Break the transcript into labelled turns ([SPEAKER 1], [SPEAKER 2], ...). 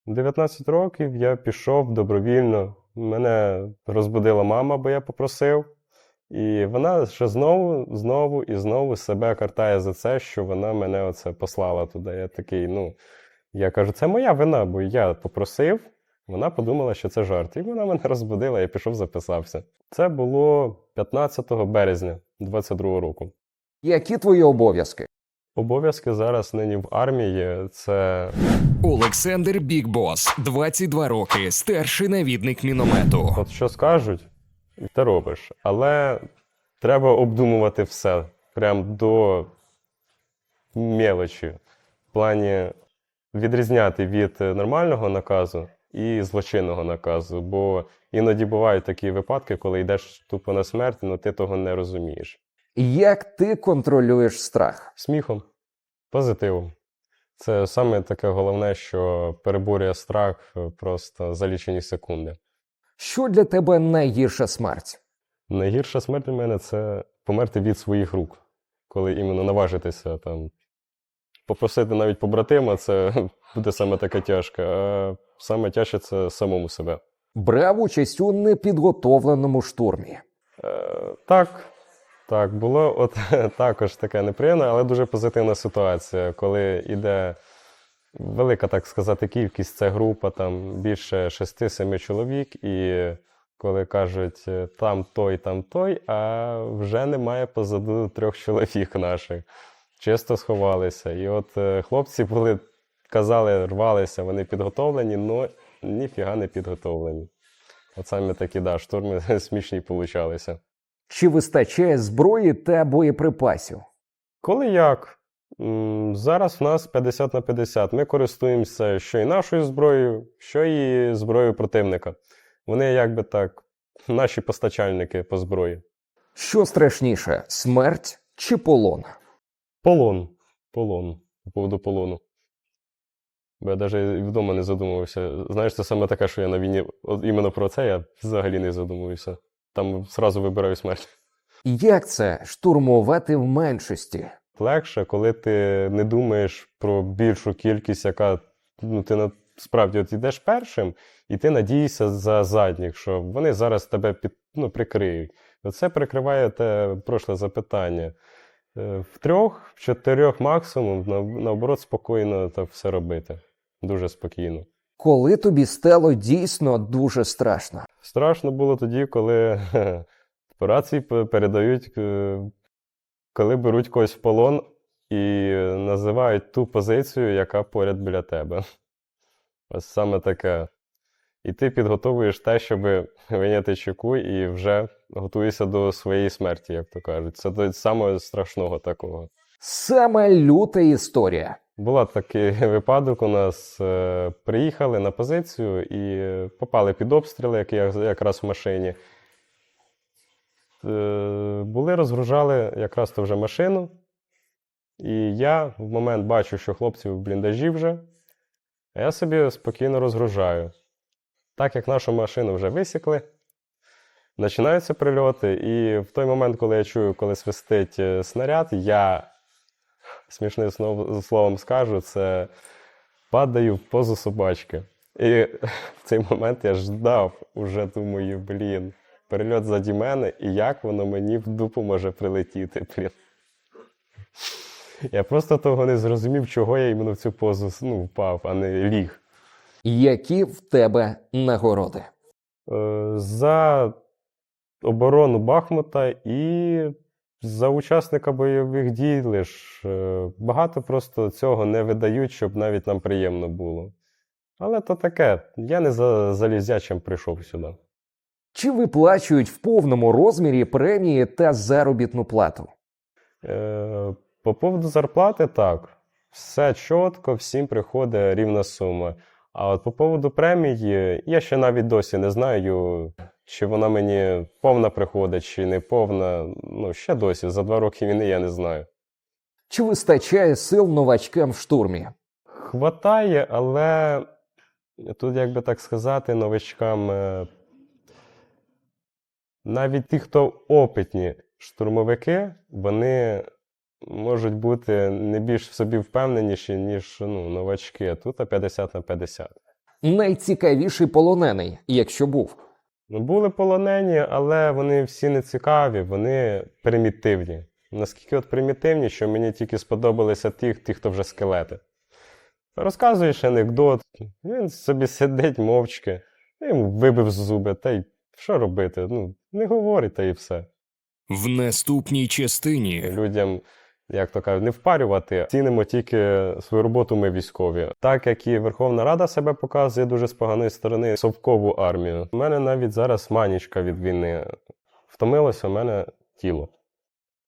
[SPEAKER 1] 19 років я пішов добровільно. Мене розбудила мама, бо я попросив. І вона ще знову і знову себе картає за це, що вона мене оце послала туди. Я такий, я кажу, це моя вина, бо я попросив, вона подумала, що це жарт. І вона мене розбудила, я пішов, записався. Це було 15 березня 22 року.
[SPEAKER 2] Які твої обов'язки?
[SPEAKER 1] Обов'язки зараз нині в армії – це
[SPEAKER 3] Олександр Бікбос, 22 роки, старший навідник міномету.
[SPEAKER 1] от що скажуть, ти робиш. Але треба обдумувати все, прям до мелочі. В плані відрізняти від нормального наказу і злочинного наказу. Бо іноді бувають такі випадки, коли йдеш тупо на смерть, але ти того не розумієш.
[SPEAKER 2] Як ти контролюєш страх?
[SPEAKER 1] Сміхом, позитивом. Це саме таке головне, що переборює страх просто за лічені секунди.
[SPEAKER 2] Що для тебе найгірша смерть?
[SPEAKER 1] Найгірша смерть для мене – це померти від своїх рук. Коли іменно наважитися, попросити навіть побратима, це буде саме таке тяжке. А саме тяжче – це самому себе.
[SPEAKER 2] Брав участь у непідготовленому штурмі.
[SPEAKER 1] Так, було також таке неприємне, але дуже позитивна ситуація, коли йде велика, так сказати, кількість, це група, більше 6-7 чоловік, і коли кажуть там той, а вже немає позаду 3 чоловік наших. Чисто сховалися. І от хлопці казали, рвалися, вони підготовлені, але ніфіга не підготовлені. От саме такі, штурми смішні получалися.
[SPEAKER 2] Чи вистачає зброї та боєприпасів?
[SPEAKER 1] Коли як? Зараз в нас 50 на 50. Ми користуємося що і нашою зброєю, що і зброєю противника. Вони наші постачальники по зброї.
[SPEAKER 2] Що страшніше, смерть чи полон?
[SPEAKER 1] Полон. По поводу полону. Бо я навіть вдома не задумувався. Знаєш, це саме таке, що я на війні, от іменно про це я взагалі не задумуюся. Там одразу вибираю смерть.
[SPEAKER 2] Як це штурмувати в меншості?
[SPEAKER 1] Легше, коли ти не думаєш про більшу кількість, яка, ти справді йдеш першим, і ти надієшся за задніх, що вони зараз тебе прикриють. Це прикриває те прошле запитання. В 3-4 максимум, наоборот, спокійно так все робити. Дуже спокійно.
[SPEAKER 2] Коли тобі стало дійсно дуже страшно?
[SPEAKER 1] Страшно було тоді, коли по рації передають, коли беруть когось в полон і називають ту позицію, яка поряд біля тебе. Ось саме таке. І ти підготовуєш те, щоб вийняти чеку і вже готуєшся до своєї смерті, як то кажуть. Це до самого страшного такого.
[SPEAKER 2] Саме люта історія.
[SPEAKER 1] Була такий випадок у нас. Приїхали на позицію і попали під обстріли, якраз в машині. Розгружали якраз то вже машину. І я в момент бачу, що хлопці в бліндажі вже, а я собі спокійно розгружаю. Так як нашу машину вже висікли, починаються прильоти, і в той момент, коли я чую, коли свистить снаряд, я, смішним словом скажу, це падаю в позу собачки. І в цей момент я ждав, уже думаю, прильот заді мене, і як воно мені в дупу може прилетіти, Я просто того не зрозумів, чого я іменно в цю позу впав, а не ліг.
[SPEAKER 2] Які в тебе нагороди?
[SPEAKER 1] За оборону Бахмута і за учасника бойових дій лиш. Багато просто цього не видають, щоб навіть нам приємно було. Але то таке, я не за залізячим прийшов сюди.
[SPEAKER 2] Чи виплачують в повному розмірі премії та заробітну плату?
[SPEAKER 1] По поводу зарплати так. Все чітко, всім приходить рівна сума. А от по поводу премії, я ще навіть досі не знаю, чи вона мені повна приходить, чи не повна. Ще досі, за 2 роки війни я не знаю.
[SPEAKER 2] Чи вистачає сил новачкам в штурмі?
[SPEAKER 1] Хватає, але тут, як би так сказати, новачкам, навіть ті, хто опитні штурмовики, вони можуть бути не більш в собі впевненіші, ніж новачки. Тут 50 на 50.
[SPEAKER 2] Найцікавіший полонений, якщо був.
[SPEAKER 1] Ну, були полонені, але вони всі не цікаві, вони примітивні. Наскільки от примітивні, що мені тільки сподобалися ті, хто вже скелети. Розказуєш анекдот, він собі сидить мовчки, йому вибив зуби, та й що робити? Ну, не говорить, та й все.
[SPEAKER 3] В наступній частині
[SPEAKER 1] Людям, як то кажуть, не впарювати, цінимо тільки свою роботу ми військові. Так як і Верховна Рада себе показує дуже з поганої сторони, совкову армію. У мене навіть зараз манічка від війни. Втомилося у мене тіло.